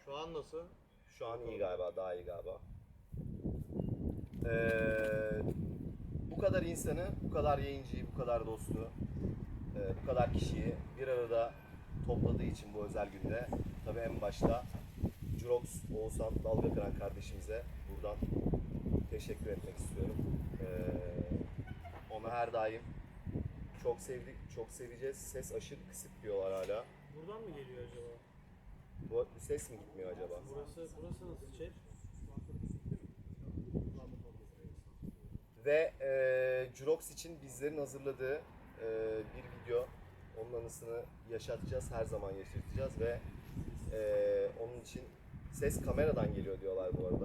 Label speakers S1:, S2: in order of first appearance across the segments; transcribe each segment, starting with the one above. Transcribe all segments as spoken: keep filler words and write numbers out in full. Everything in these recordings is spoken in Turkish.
S1: Şu an nasıl?
S2: Şu an iyi galiba, daha iyi galiba. Ee, bu kadar insanı, bu kadar yayıncıyı, bu kadar dostu, e, bu kadar kişiyi bir arada topladığı için bu özel günde tabii en başta Jurox Oğuzhan Dalga Kıran kardeşimize buradan teşekkür etmek istiyorum. Ee, onu her daim çok sevdik, çok seveceğiz. Ses aşırı kısık diyorlar hala.
S1: Buradan mı geliyor acaba?
S2: Bu ses mi gitmiyor acaba?
S1: Burası, burası nasıl şey?
S2: Ve e, Jurox için bizlerin hazırladığı e, bir video. Onun anısını yaşatacağız, her zaman yaşatacağız ve e, onun için ses kameradan geliyor diyorlar bu arada.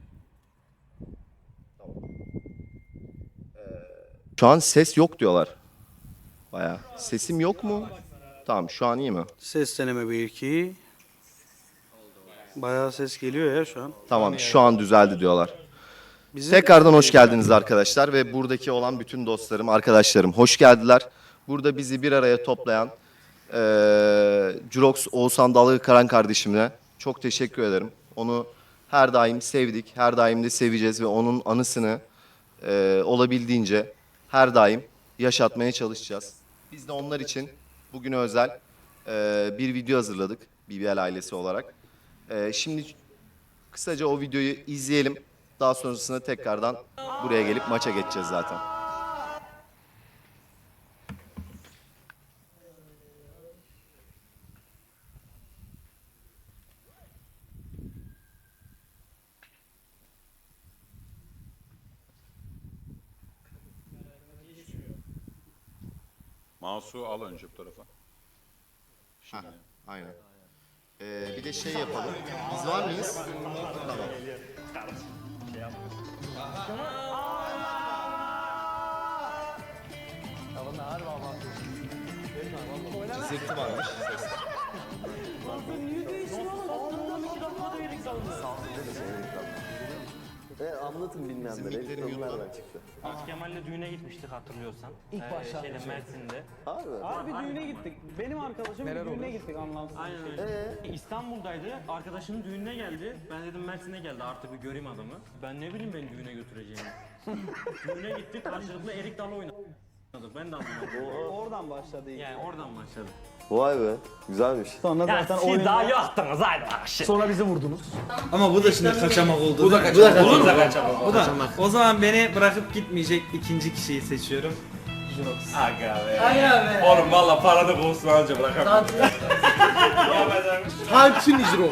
S2: Tamam. E, şu an ses yok diyorlar. Bayağı. Sesim yok mu? Tamam, şu an iyi mi?
S3: Ses deneme bir iki. Bayağı ses geliyor ya şu an.
S2: Tamam, şu an düzeldi diyorlar.
S3: Bizim
S2: Tekrardan hoş geldiniz arkadaşlar ve buradaki olan bütün dostlarım, arkadaşlarım hoş geldiler. Burada bizi bir araya toplayan e, Jurox Oğuzhan Dalga Kıran kardeşimle çok teşekkür ederim. Onu her daim sevdik, her daim de seveceğiz ve onun anısını e, olabildiğince her daim yaşatmaya çalışacağız. Biz de onlar için bugüne özel e, bir video hazırladık B B L ailesi olarak. E, şimdi kısaca o videoyu izleyelim. Daha sonrasında tekrardan buraya gelip maça geçeceğiz zaten.
S4: Mouse'u al önce bu tarafa.
S2: Heh, aynen. Ee, bir de şey yapalım. Biz var mıyız? Tamam. Zırtı varmış.
S5: E, anlatın bilmeyenlere. Nereden çıktı?
S6: Kemal'le düğüne gitmiştik hatırlıyorsan. İlk başta. Şeyde, Mersin'de.
S5: Abi.
S7: Abi bir düğüne gittik. Benim arkadaşım bir düğüne gittik anlamsız.
S6: Aynen öyle. İstanbul'daydı. Arkadaşının düğününe geldi. Ben dedim Mersin'e geldi artık bir göreyim adamı. Ben ne bileyim beni düğüne götüreceğini. Düğüne gittik karşılıklı erik dalı oynadık. Ben de anlamadım.
S7: Oradan başladı.
S6: Yani oradan başladı.
S5: Vay be. Güzelmiş.
S7: Sonra
S6: Ya
S7: zaten
S6: siz
S7: oyun...
S6: daha yoktunuz haydi bak şimdi.
S7: Sonra bizi vurdunuz.
S8: Ama bu da şimdi kaçamak oldu.
S9: Bu da kaçamak.
S8: Olur mu?
S9: Bu da kaçamak.
S8: Bu da. O zaman beni bırakıp gitmeyecek ikinci kişiyi seçiyorum.
S9: Aga be. Aga be. Oğlum valla paranı bulsun anca bırakamam.
S7: Hepsini Jirox.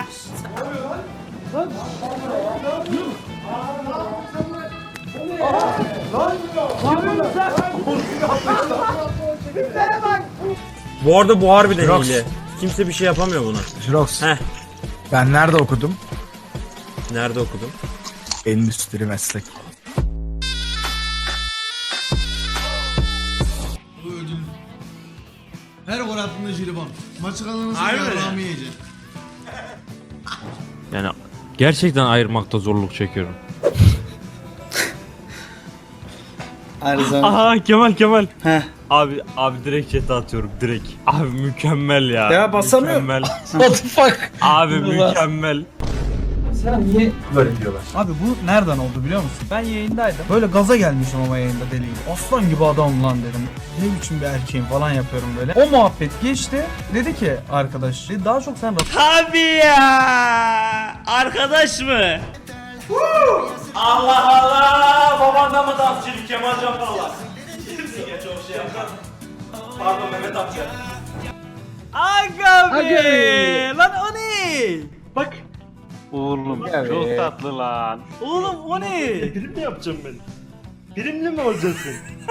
S6: Bu arada bu harbiden hile. Kimse bir şey yapamıyor buna.
S10: Jirox.
S6: Heh.
S10: Ben nerede okudum?
S6: Nerede okudun?
S10: Endüstri meslek.
S8: Bu ödül. Her gol attığında jelibon. Maçı kazanırsa yarrağımı yiyecek.
S6: Yani gerçekten ayırmakta zorluk çekiyorum.
S3: Her zaman.
S6: Aha Kemal Kemal.
S3: Heh.
S6: Abi abi direkt chat'e atıyorum direkt. Abi mükemmel ya.
S3: Ya basamıyorum.
S6: Mükemmel.
S3: What the fuck?
S6: Abi mükemmel.
S10: Abi bu nereden oldu biliyor musun? Ben yayındaydım. Böyle gaza gelmişim ama yayında deli gibi. Aslan gibi adam lan dedim. Ne biçim bir erkeğim falan yapıyorum böyle. O muhabbet geçti. Dedi ki arkadaş daha çok sen
S6: Tabii ya. Arkadaş mı? Allah Allah. Babandan mı dansçılık Kemal Can Parlak? Kimsin çok şey yapar. Pardon Mehmet amca. Aga be. Lan o ne? Bak. Oğlum çok tatlı lan. Oğlum o ne? Prim mi yapacağım ben? Primli mi olacaksın?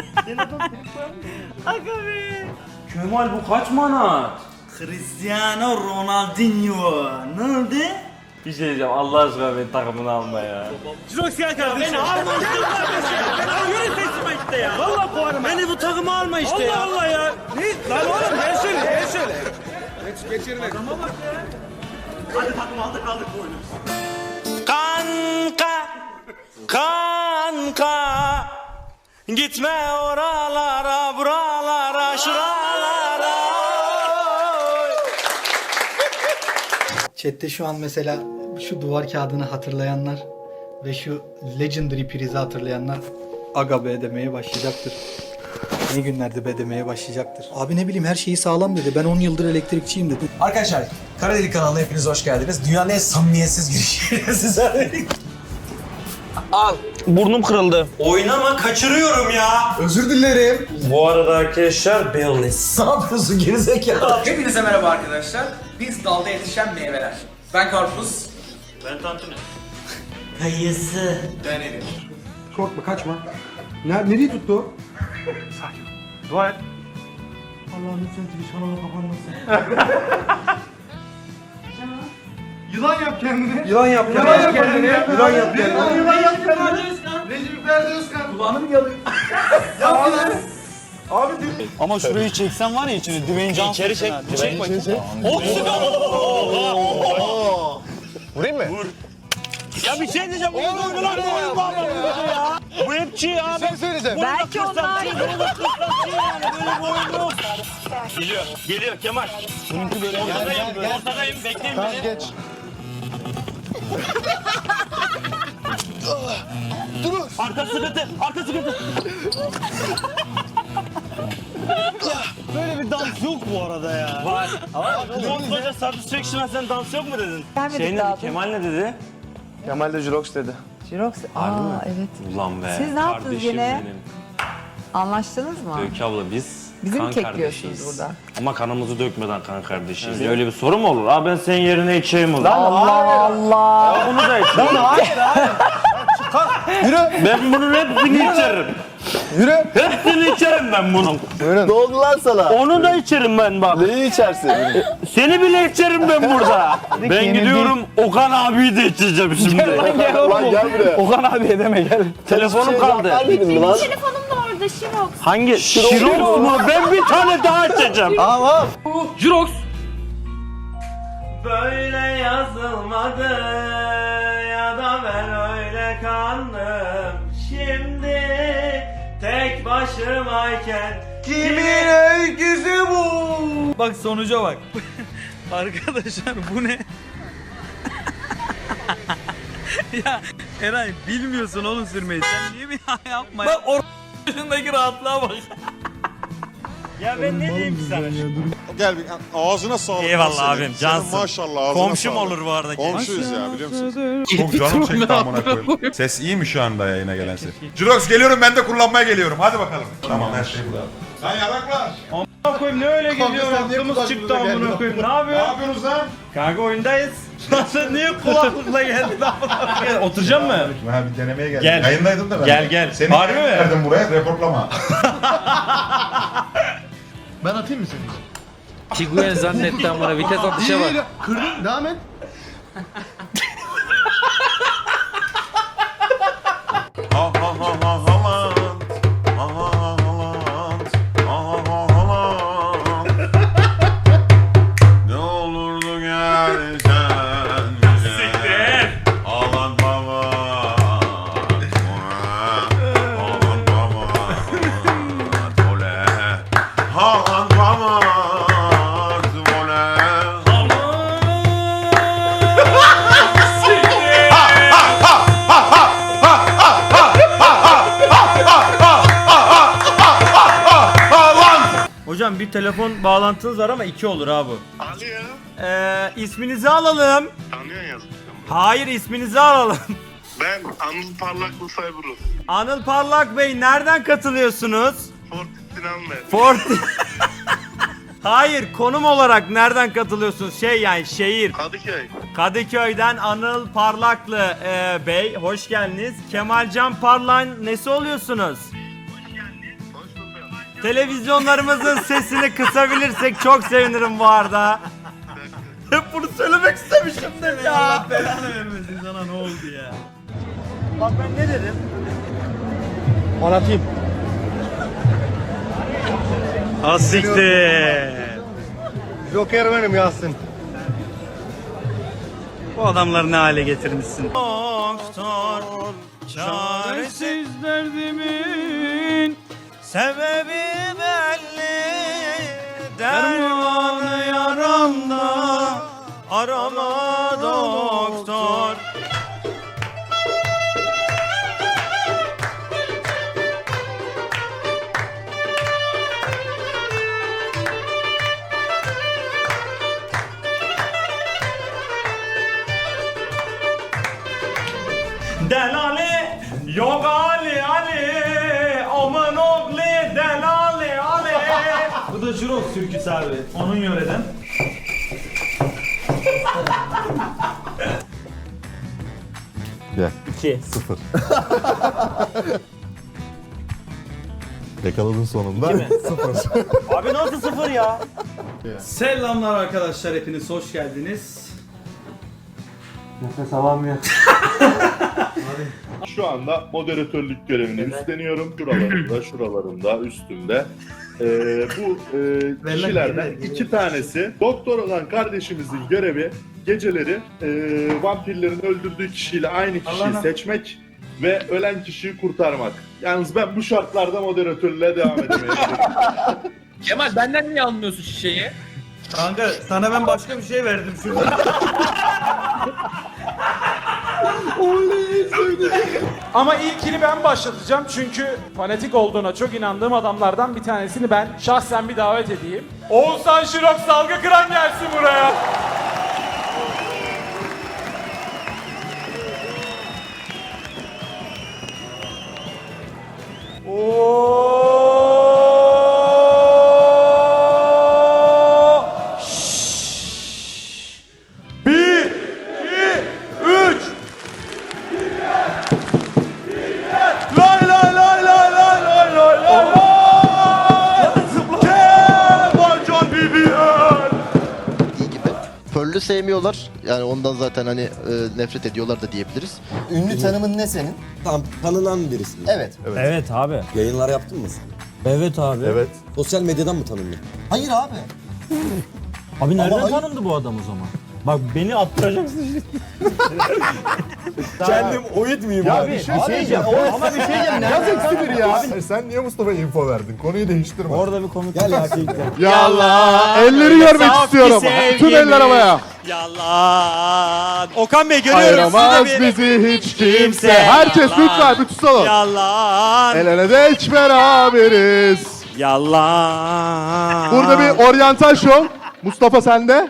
S6: Aga be. Kemal bu kaç manat?
S8: Cristiano Ronaldinho. Ne oldu?
S6: Bir şey diyeceğim Allah aşkına beni takımına alma ya. Jirox gel kardeşim. Beni alma işte kardeşim. Beni yürü seçime işte ya. Valla puanım. Beni bu takıma alma işte Allah ya. Allah Allah ya. Ne? Lan oğlum gel şöyle gel şöyle. Geç geçirme. Adama bak ya. Hadi takım aldık aldık bu oyunu.
S8: Kanka. Kanka. Gitme oralara buralara şuralara.
S4: Chat'te şu an mesela şu duvar kağıdını hatırlayanlar ve şu Legendary prizi hatırlayanlar aga be demeye başlayacaktır. Ne günlerde be demeye başlayacaktır. Abi ne bileyim her şeyi sağlam dedi. Ben on yıldır elektrikçiyim dedi.
S11: Arkadaşlar Kara Delik kanalına hepiniz hoş geldiniz. Dünyanın en samimiyetsiz girişiyle sizlerle birlikte.
S6: Al. Burnum kırıldı.
S11: Oynama kaçırıyorum ya.
S8: Özür dilerim.
S6: Bu arada arkadaşlar Baileys.
S11: Ne yapıyorsun gerizekalı? Hepinize merhaba arkadaşlar. Biz dalda yetişen meyveler. Ben karpuz.
S6: Ben tantuni.
S11: Kayısı. Ben elim.
S8: Korkma kaçma. Ne, nereye tuttu o?
S6: Dua et.
S8: Allah'ım lütfen Twitch kanalı kapanmasın. Yılan yap kendini. Yılan yap kendini. Yılan yap kendini. Yılan yap kendini. Yılan yap kendini. Recep Ferdi Özkan. Kulağını mı yalıyor? Yap lan. Abi dur.
S3: Ama şurayı çeksen var ya içine Dwayne Johnson.
S6: İçeri çek. Çek bakayım.
S5: Vurayım mı?
S6: Ya bir şey diyeceğim. Oyun oynuyorlar bu oyun var ya. Bu hep çiğ abi.
S5: Bir şey söyleyeceğim.
S6: Belki onlar. Bunu da kırsam çiğ yani. Böyle bir oyun yok. Geliyor. Geliyor Kemal. Bununki böyle. Ortadayım. Ortadayım. Bekleyin
S5: Tamam
S6: beni.
S5: geç.
S6: Arka sıkıntı. Arka sıkıntı.
S3: Böyle bir dans yok bu arada ya.
S6: Var. Ama koskoca satisfaction sen dans yok mu dedin?
S12: Gelmedik
S6: Şey ne
S12: daha
S6: dedi? Kemal ne dedi?
S5: Kemal de Jurox dedi.
S12: Jirox. Aa evet.
S9: Ulan be.
S12: Siz ne yaptınız
S9: kardeşim
S12: yine?
S9: benim.
S12: Anlaştınız mı?
S9: Öykü abla biz
S12: Bizi mi
S9: kan
S12: kekliyorsunuz
S9: kardeşiyiz.
S12: burada?
S6: Ama kanımızı dökmeden kan kardeşiyiz. Öyle bir soru mu olur? Abi ben senin yerine içeyim o zaman.
S12: Allah Allah.
S6: Bunu da içeyim.
S5: Yürü.
S6: Ben bunun hepsini içerim.
S5: Yürü.
S6: Hepsini içerim ben bunun.
S5: Buyurun. Ne oldu lan sana?
S6: Onu da içerim ben bak.
S5: Neyi içersin?
S6: Seni bile içerim ben burada. Ben gidiyorum Okan abiyi de içeceğim şimdi.
S5: Lan gel buraya.
S3: Okan abiye deme gel.
S6: Telefonum kaldı.
S5: Vermedin mi lan?
S12: Telefonum da orada Jirox.
S6: Hangi? Şirox mu? Ben bir tane daha içeceğim.
S5: Tamam.
S6: Jirox. Böyle yazılmadı ya da ben öyle kandım. Şimdi tek başımayken kimin öyküsü bu?
S10: Bak sonuca bak. Arkadaşlar bu ne? Ya Eray bilmiyorsun oğlum sürmeyi. Sen niye bir yapma ya? Bak ortasındaki rahatlığa bak.
S6: Ya ben ne diyeyim ki sana?
S8: Gel bir ağzına sağlık.
S6: Eyvallah abim, cansın.
S8: Maşallah ağzına
S6: Komşum
S8: sağlık.
S6: olur bu arada.
S8: Komşuyuz ya biliyor musun?
S3: Çok canım çekti amına koyayım. Ses iyi mi şu anda yayına gelen ses? Jurox geliyorum ben de kullanmaya geliyorum. Hadi bakalım. Tamam her şey burada. Lan yaraklar.
S6: Amına koyayım ne öyle geliyor?
S8: sen niye
S6: Aklımız çıktı
S8: kulaklıkla
S6: amına
S8: geldin?
S6: koyayım. Ne
S8: Ne
S6: yapıyorsun?
S8: yapıyorsunuz lan?
S6: Kanka oyundayız. Lan sen niye kulaklıkla geldin? Oturacak mı?
S3: Ha bir denemeye geldim.
S6: Gel.
S3: Yayındaydım da ben.
S6: Gel, gel.
S3: Seni
S6: Harbi mi?
S3: verdim buraya reportlama.
S8: Ben atayım mı seni?
S7: Tiguan zannetti amına vites atışa bak.
S8: Kırdın devam et.
S3: Ha ha ha ha Haaland. Ha ha ha Haaland. Ha ha ha Haaland. Ne olurdu gelsen bize. Haaland baba. Haaland baba. Oley. Haaland baba. Oley.
S6: Hocam bir telefon bağlantınız var ama iki olur abi. Alo. Ee, isminizi alalım.
S13: Tanıyorsun yazmışım.
S6: Hayır isminizi alalım.
S13: Ben Anıl Parlaklı Cyberus.
S6: Anıl Parlak Bey nereden katılıyorsunuz?
S13: Fortis Sinan Bey.
S6: Fort. Hayır konum olarak nereden katılıyorsunuz? Şey yani şehir.
S13: Kadıköy.
S6: Kadıköy'den Anıl Parlaklı e, Bey hoş geldiniz. Kemalcan Parlak'ın nesi oluyorsunuz?
S13: Hoş bulduk.
S6: Televizyonlarımızın sesini kısabilirsek çok sevinirim bu arada. Hep bunu söylemek istemişimdir ya. Allah belanı vermesin sana ne oldu ya. Bak ben ne dedim?
S8: Anlatayım.
S6: Asiktir.
S8: Joker benim Yasin.
S6: Bu adamları ne hale getirmişsin? Doktor, çaresiz derdimin sebebi belli. Dermanı yaramda arama doktor. Delali yok Ali Ali aman oğlu Delali Ali.
S10: Bu da Jurox türküsü abi. Onun yöreden.
S14: Gel.
S6: İki.
S14: Sıfır. Yakaladın sonunda.
S6: İki mi?
S14: Sıfır.
S6: Abi nasıl sıfır ya?
S10: Selamlar arkadaşlar, hepiniz hoş geldiniz.
S6: Nefes alamıyor.
S13: Şu anda moderatörlük görevini üstleniyorum. Şuralarında, şuralarında, üstümde. Ee, bu e, kişilerden iki tanesi doktor olan kardeşimizin görevi geceleri e, vampirlerin öldürdüğü kişiyle aynı kişiyi
S10: Allah'ına.
S13: seçmek ve ölen kişiyi kurtarmak. Yalnız ben bu şartlarda moderatörlüğe devam edemeyeceğim.
S11: Kemal benden niye almıyorsun şişeyi?
S10: Kanka sana ben başka bir şey verdim şurada.
S6: Ama ilkini ben başlatacağım çünkü fanatik olduğuna çok inandığım adamlardan bir tanesini ben şahsen bir davet edeyim. Oğuzhan Şirok Salgı Kıran gelsin buraya. Oo! Şşş! Bir, iki, üç. Lay lay lay lay lay lay lay lay lay. Kemal Can Bibiyen.
S5: İyi gibi. Pearl'ü sevmiyorlar. Yani ondan zaten hani e, nefret ediyorlar da diyebiliriz.
S2: Ünlü tanımın ne senin?
S5: Tam tanınan birisi.
S2: Evet.
S6: Evet abi.
S5: Yayınlar yaptın mı sen?
S6: Evet abi.
S14: Evet.
S5: Sosyal medyadan mı tanınıyor?
S2: Hayır abi.
S6: Abi nereden
S2: Ama-
S6: tanındı bu adam o zaman? Bak beni attıracaksın şimdi.
S14: Kendim oyut muyum
S2: Ya
S14: abi?
S2: bir şey diyeceğim. Ama bir şey diyeceğim.
S14: Yaz eksidir ya. Sen niye Mustafa info verdin? Konuyu değiştirme.
S6: Orada bir komik.
S5: Gel ya.
S14: Yallah. Elleri görmek istiyorum. Tüm eller havaya.
S6: Yalan. Okan Bey görüyorum sizi
S14: Ayıramaz
S6: de bir.
S14: bizi hiç kimse. Herkes lütfen bütün salon.
S6: Yalan.
S14: El ele de hiç beraberiz.
S6: Yalan.
S14: Burada bir oryantal şov. Mustafa sende.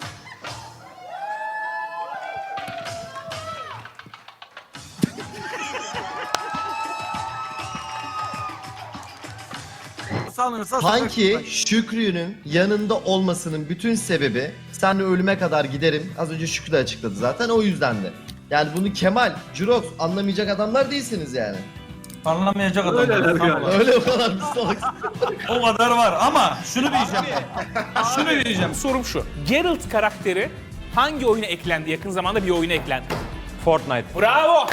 S2: Sanki Şükrü'nün yanında olmasının bütün sebebi senle ölüme kadar giderim. Az önce Şükrü de açıkladı zaten o yüzden de. Yani bunu Kemal, Jurox anlamayacak adamlar değilsiniz yani.
S10: Anlamayacak adamlar. Tamam.
S2: Öyle o kadar bir salak.
S10: O kadar var ama şunu diyeceğim. Şunu diyeceğim.
S11: Sorum şu. Geralt karakteri hangi oyuna eklendi? Yakın zamanda bir oyuna eklendi.
S6: Fortnite.
S11: Bravo.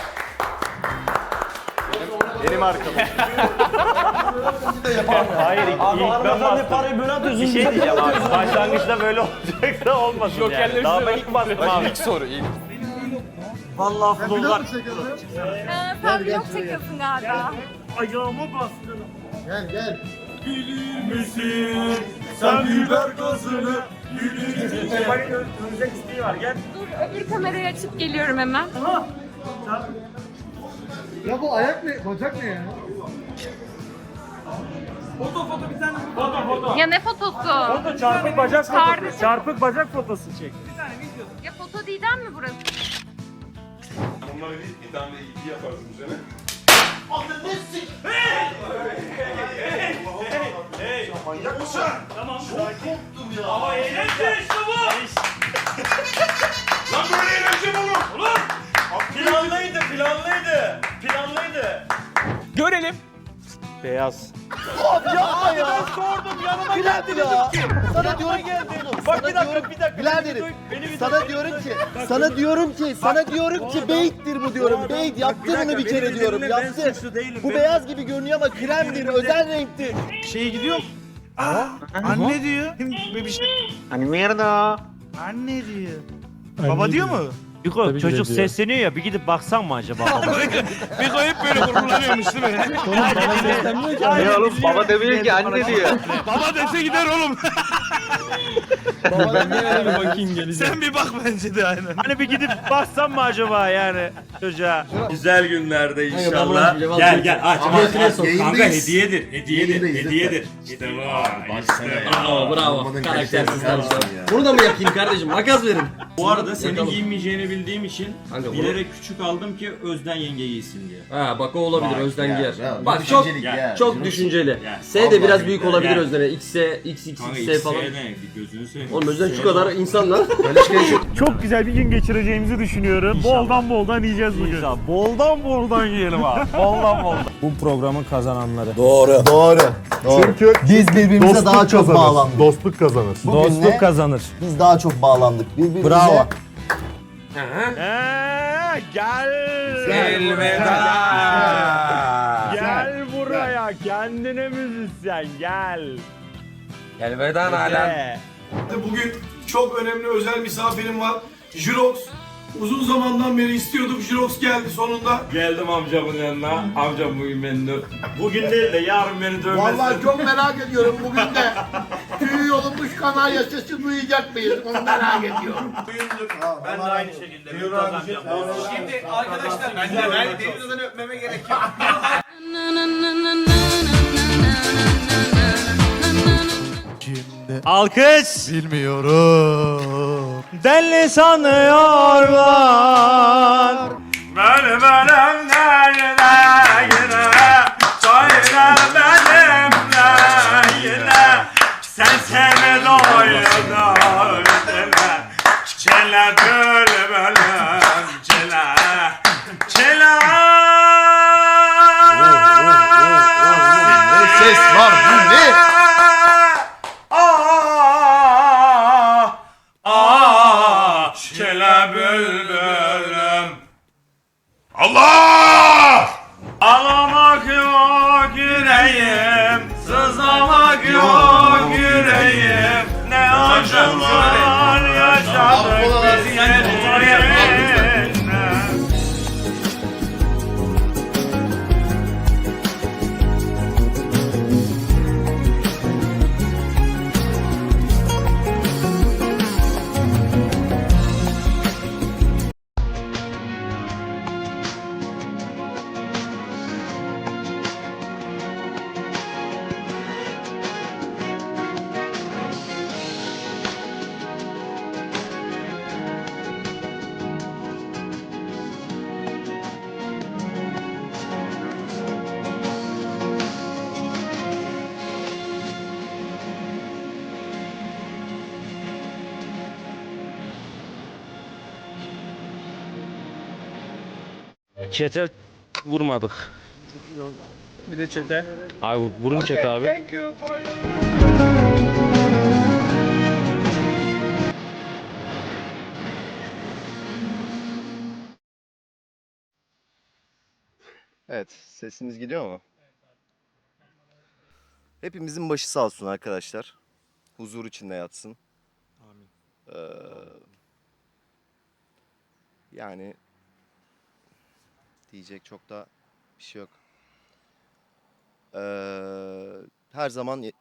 S6: Hayır ilk, ilk ben bastım. Parayı böyle atıyorsun. Bir şey diyeceğim abi. Başlangıçta böyle olacaksa olmasın yani.
S11: Jokerleri
S6: Daha ben
S11: söyle.
S6: ilk bastım abi. İlk soru ilk. Vallahi futbollar.
S12: Sen vlog çekiyorsun galiba.
S6: Ayağıma bastın.
S2: Gel gel.
S6: Misin? Sen biber gazını. Kemal'in dönecek isteği var gel.
S12: Dur öbür kamerayı açıp geliyorum hemen.
S8: Ya bu ayak ne? Bacak ne ya?
S6: Foto foto bir tane. Foto foto.
S12: Ya ne fotosu?
S6: Foto çarpık bacak
S12: Kardeşim.
S6: fotosu. Çarpık bacak fotosu çek.
S12: Ya foto değilden mi burası?
S3: Bunları değil, bir tane de iyi yaparsın bu sene.
S6: Manyak mısın? Tamam. Çok korktum ya. Ama eğlence işte bu.
S3: Lan böyle eğlence mi olur?
S6: Ulan. Planlıydı, planlıydı. Planlıydı.
S11: Görelim.
S6: Beyaz.
S2: Yapma ya.
S6: Ben sordum yanıma
S2: Bir
S6: geldi
S2: dakika ya.
S6: dedim ki.
S2: Sana diyorum
S6: geldi.
S2: Oğlum,
S6: Bak
S2: sana
S6: bir dakika
S2: diyorum-
S6: bir dakika.
S2: Biraderim,
S6: Beni bir duy, beni bir duy,
S2: Sana
S6: beni
S2: diyorum
S6: bir
S2: ki,
S6: duy.
S2: sana diyorum ki, sana diyorum ki beyittir bu diyorum. Beyit yaptı bunu bir kere diyorum. Yaptı. Bu beyaz gibi görünüyor ama kremdir, özel renktir.
S10: Şeye gidiyor. Aa, anne diyor. Bir şey.
S6: Hani merda.
S10: Anne diyor. Baba diyor mu?
S6: Biko çocuk sesleniyor ya bir gidip baksan mı acaba? Biko hep böyle gururlanıyormuş değil mi?
S1: Oğlum bana seslenmiyor ki. Ne oğlum baba demiyor ki anne diyor.
S6: Baba dese gider oğlum.
S1: Baba ben de öyle bir bakayım geleceğim.
S6: Sen bir bak bence de aynen. Hani bir gidip baksan mı acaba yani çocuğa? Güzel günlerde inşallah. Gel gel aç aç aç. Kanka hediyedir. Hediyedir. Hediyedir. İşte bu. İşte
S1: Bravo bravo. Karaktersiz kardeşim. Bunu da mı yapayım kardeşim? Makas verin.
S9: Bu arada senin giyinmeyeceğini bildiğim için bilerek küçük aldım ki Özden yenge giysin diye.
S1: Ha bak o olabilir Özden
S5: ya,
S1: giyer.
S5: ya,
S1: Bak çok
S9: Ya,
S1: çok düşünceli.
S9: Ya,
S1: S de biraz
S9: vallahi
S1: büyük
S9: ya,
S1: olabilir
S9: ya.
S1: Özden'e. X'e, X, X,
S9: Kanka
S1: X, falan.
S9: ne? Gözünü seveyim.
S1: Oğlum Özden şu kadar insan lan.
S6: Çok güzel bir gün geçireceğimizi düşünüyorum. Boldan boldan yiyeceğiz bugün. İnşallah. Boldan boldan yiyelim abi. Boldan boldan. Bu programın kazananları.
S14: Doğru. Doğru. Çünkü
S2: Biz birbirimize daha çok
S14: kazanır.
S2: bağlandık.
S14: Dostluk kazanır.
S6: Dostluk kazanır.
S2: Biz daha çok bağlandık. Birbirimize
S6: Bravo. Eee gel.
S3: Elveda.
S6: Gel buraya kendine müzisyen gel.
S1: Elveda alem.
S8: Bugün çok önemli özel misafirim var. Jirox. Uzun zamandan beri istiyorduk. Jirox geldi sonunda.
S9: Geldim amcamın yanına. Amcam bugün beni dö- Bugün değil de yarın beni dövmesin.
S14: Vallahi çok merak ediyorum bugün de tüy yolunmuş kanarya sesi duyacak mıyız? Onu merak ediyorum.
S9: Ben de aynı şekilde bir kazanacağım.
S11: Şimdi arkadaşlar ben de ben Deniz'den öpmeme gerek yok.
S6: Alkış.
S14: Bilmiyorum.
S6: Deli sanıyorlar.
S9: Benim elimde yine söyle benimle yine sen seni doyurdun deme çile bülbülüm çile çile
S14: Ne ses var bu ne?
S9: Ah, ah, çile bülbülüm. Allah! Ağlamak yok yüreğim, sızlamak yok yüreğim. Ne acılar yaşadık biz seninle.
S6: Çete vurmadık.
S1: Bir de çete.
S6: Abi vurun çete abi.
S2: Evet, sesimiz gidiyor mu? Hepimizin başı sağ olsun arkadaşlar. Huzur içinde yatsın.
S1: Amin.
S2: Ee, yani diyecek çok da bir şey yok. Ee, her zaman